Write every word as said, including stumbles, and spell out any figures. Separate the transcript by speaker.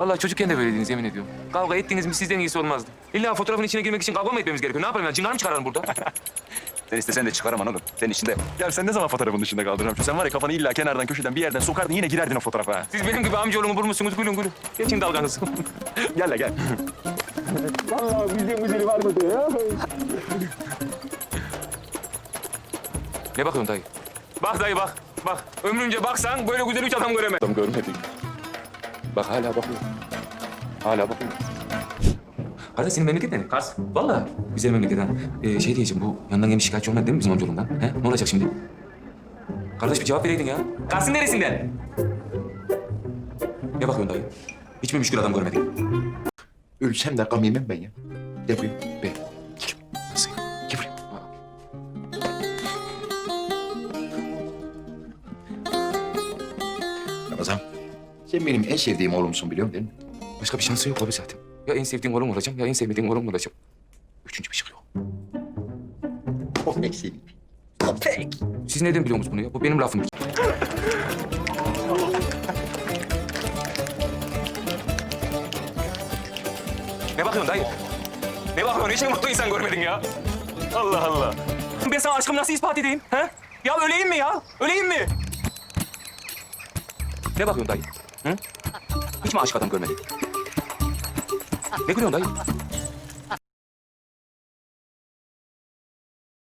Speaker 1: Vallahi çocukken de böyleydiniz yemin ediyorum. Kavga ettiniz mi sizden iyisi olmazdı. İlla fotoğrafın içine girmek için kavga mı etmemiz gerekiyor? Ne yapalım ya? Cingar mı çıkaralım burada?
Speaker 2: Sen istesen de çıkaramam oğlum. Senin içinde. Ya sen ne zaman fotoğrafın dışında kaldın Ramço? Sen var ya kafanı illa kenardan köşeden bir yerden sokardın yine girerdin o fotoğrafa. Ha.
Speaker 1: Siz benim gibi amcaoğlumu bulmuşsunuz. Gülün gülün. Geçin dalganızı.
Speaker 2: Gel la gel.
Speaker 1: Vallahi bizden güzeli var mı ya? Ne bakıyorsun dayı? Bak dayı bak. Bak. Ömrünce baksan böyle güzel üç adam göremez.
Speaker 2: Adam görmedik.
Speaker 1: Bak hala bakıyor. Hala bakıyor. Kardeş senin memleket ne? Kars. Vallahi güzel memleket ha. Ee, şey diyeceğim bu yandan gelmiş şikayetçi olmadı değil mi bizim amcaoğlundan? He? Ne olacak şimdi? Kardeş bir cevap vereydin ya. Kars'ın neresinden? Ne bakıyorsun dayı? Hiç mi müşkül adam görmedin?
Speaker 3: Ölsem de gam yemem ben ya. Gel buraya.
Speaker 1: Be. Nasıl ya? Gel buraya.
Speaker 3: Ramazan, sen benim en sevdiğim oğlumsun biliyorum değil mi?
Speaker 1: Başka bir şansı yok abi zaten. Ya en sevdiğin oğlum olacağım ya en sevmediğin oğlum olacağım. Üçüncü bir şey yok.
Speaker 3: Çok eksiğim. Köpek.
Speaker 1: Siz neden biliyorsunuz bunu ya? Bu benim lafım. Ne bakıyorsun dayı? Ne bakıyorsun? Hiç mi mutlu insan görmedin ya? Allah Allah. Ben sana aşkımı nasıl ispat edeyim? Ha? Ya öleyim mi ya? Öleyim mi? Ne bakıyorsun dayı? Hı? Hiç mi aşık adam görmedin? Ne gülüyorsun dayı?